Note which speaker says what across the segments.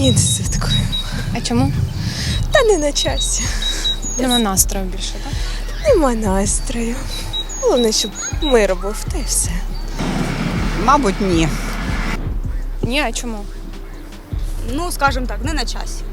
Speaker 1: Ні, не святкуємо.
Speaker 2: А чому?
Speaker 1: Та не на часі.
Speaker 2: Нема настрою більше, так?
Speaker 1: Нема настрою. Головне, щоб мир був, та й все.
Speaker 3: Мабуть, ні.
Speaker 2: Ні, а чому?
Speaker 4: Ну, скажімо так, не на часі.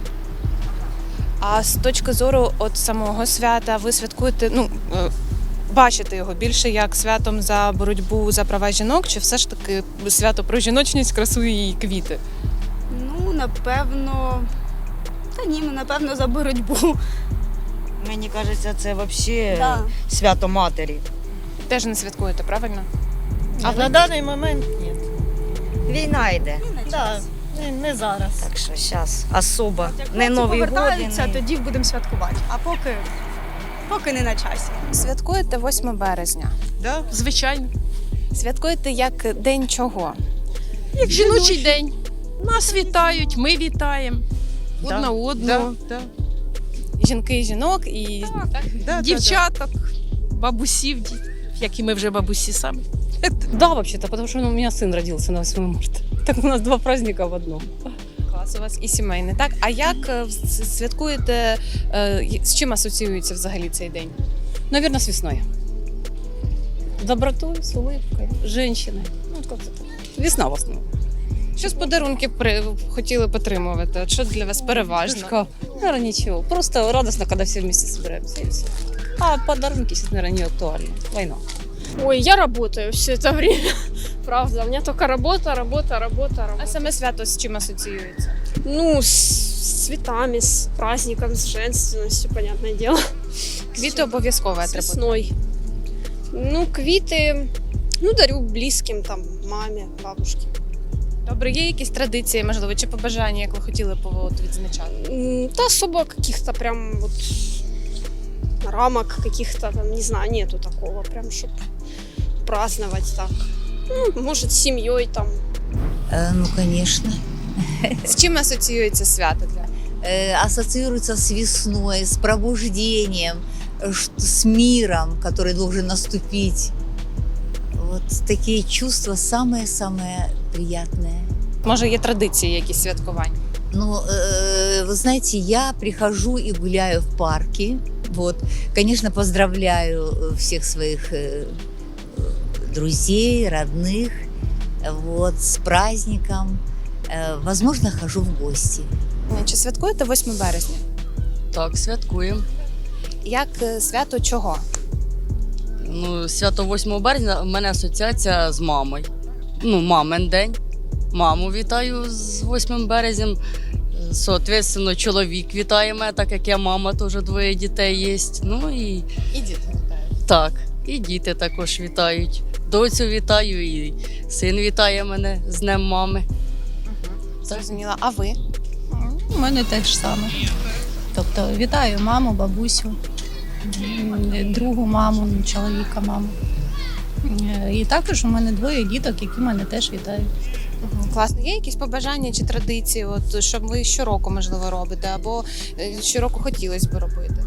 Speaker 2: А з точки зору от самого свята ви святкуєте, бачите його більше як святом за боротьбу за права жінок, чи все ж таки свято про жіночність, красу і квіти?
Speaker 4: Ну, напевно. Та ні, напевно, за боротьбу.
Speaker 3: Мені кажеться, це взагалі
Speaker 4: Да.
Speaker 3: свято матері.
Speaker 2: Теж не святкуєте, правильно?
Speaker 5: А на даний момент ні.
Speaker 3: Війна йде.
Speaker 4: Не на
Speaker 5: Да,
Speaker 4: часі.
Speaker 5: не зараз.
Speaker 3: Так що зараз особо.
Speaker 4: Як
Speaker 3: Не
Speaker 4: хлопці
Speaker 3: Новий год.
Speaker 4: повертаються,
Speaker 3: не-
Speaker 4: тоді будемо святкувати. А поки не на часі.
Speaker 2: Святкуєте 8 березня.
Speaker 6: Да, звичайно.
Speaker 2: Святкуєте як день чого?
Speaker 6: Як жіночий день. Нас вітають, ми вітаємо. Одна одного. Да.
Speaker 2: Жінки і жінок і
Speaker 6: Дівчаток, бабусів, як і ми вже бабусі самі.
Speaker 7: Да, вообще-то, потому что у меня сын родился на 8 марта. Так у нас два праздника в одном.
Speaker 2: клас у вас і сімейний, так? А як святкуєте, з чим асоціюється взагалі цей день?
Speaker 7: Наверное, с весной. С добротой, с улыбкой, с женщиной. Ну, вот как-то так. Весна в основном.
Speaker 2: Що з подарунків хотіли потримувати? От що для вас переважно?
Speaker 7: Шишка. Наверное, ничего. Просто радостно, когда все вместе собираемся и все. А подарунки сейчас, наверное, не актуальны. Война.
Speaker 8: Ой, я работаю все это время. Правда, у меня только работа, работа, работа,
Speaker 2: А
Speaker 8: работа.
Speaker 2: саме свято з чим асоціюється?
Speaker 8: Ну, с цветами, с праздником, с женственностью, понятное дело.
Speaker 2: Квіти обов'язково
Speaker 8: С
Speaker 2: атрибут.
Speaker 8: весной. Ну, квиты, дарю близким, там, маме, бабушке.
Speaker 2: Добре, є якісь традиції, можливо, чи побажання, як ви хотіли відзначати?
Speaker 8: Да особо каких-то прям вот рамок каких-то, там, не знаю, нету такого, прям, чтобы праздновать так. Ну, может, с семьей там.
Speaker 9: Ну, конечно.
Speaker 2: З чим асоціюється свято для вас?
Speaker 9: Ассоциируется с весной, с пробуждением, с миром, который должен наступить. Вот такие чувства самые-самые приятные.
Speaker 2: Може, є традиції якісь святкувань?
Speaker 9: Ну, вы знаете, я прихожу и гуляю в парке. Вот, конечно, поздравляю всех своих друзей, родных, вот, с праздником. Возможно, хожу в гости.
Speaker 2: Чи святкуєте 8 березня?
Speaker 10: Так, святкуємо.
Speaker 2: Як свято чого?
Speaker 10: Ну, свято 8 березня в мене асоціація з мамою. Ну, мамин день. Маму вітаю з 8 березням. Соответственно, чоловік вітає мене, так як я мама, теж 2 дітей є. Ну і
Speaker 2: І діти вітають.
Speaker 10: так, і діти також вітають. Доцю вітаю, і син вітає мене з Днем мами.
Speaker 2: Зрозуміла. А ви?
Speaker 5: У мене теж саме. Тобто вітаю маму, бабусю, другу маму, чоловіка маму. І також у мене 2 діток, які мене теж вітають.
Speaker 2: Класно. Є якісь побажання чи традиції, от, що ви щороку, можливо, робите, або щороку хотілося б робити?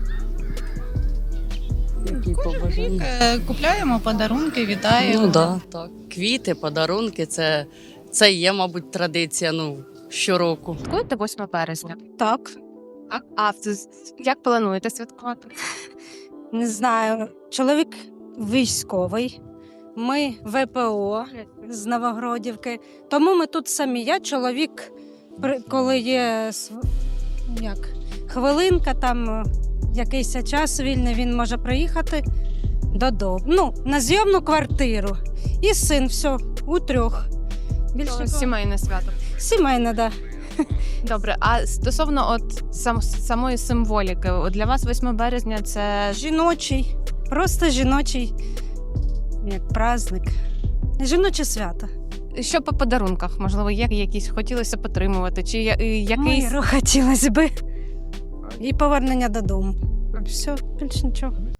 Speaker 10: Які побажання?
Speaker 5: Купляємо подарунки, вітаємо.
Speaker 10: Ну да, так. Квіти, подарунки це є, мабуть, традиція щороку.
Speaker 2: Святкуєте 8 березня?
Speaker 4: Так.
Speaker 2: Як плануєте святкувати?
Speaker 4: Не знаю. Чоловік військовий. Ми ВПО з Новогродівки. Тому ми тут самі. Я чоловік, коли є хвилинка, там якийсь час вільний, він може приїхати додому. Ну, на зйомну квартиру. І син, все, у 3. Більше
Speaker 2: Сімейне свято.
Speaker 4: сімейне, да.
Speaker 2: Добре, а стосовно от самої символіки, от для вас 8 березня це
Speaker 4: Жіночий, просто жіночий, як праздник. Жіноче свято.
Speaker 2: що по подарунках? Можливо, є якісь хотілося потримувати, чи якийсь
Speaker 4: Миру хотілося би. І повернення додому. Все, більше нічого.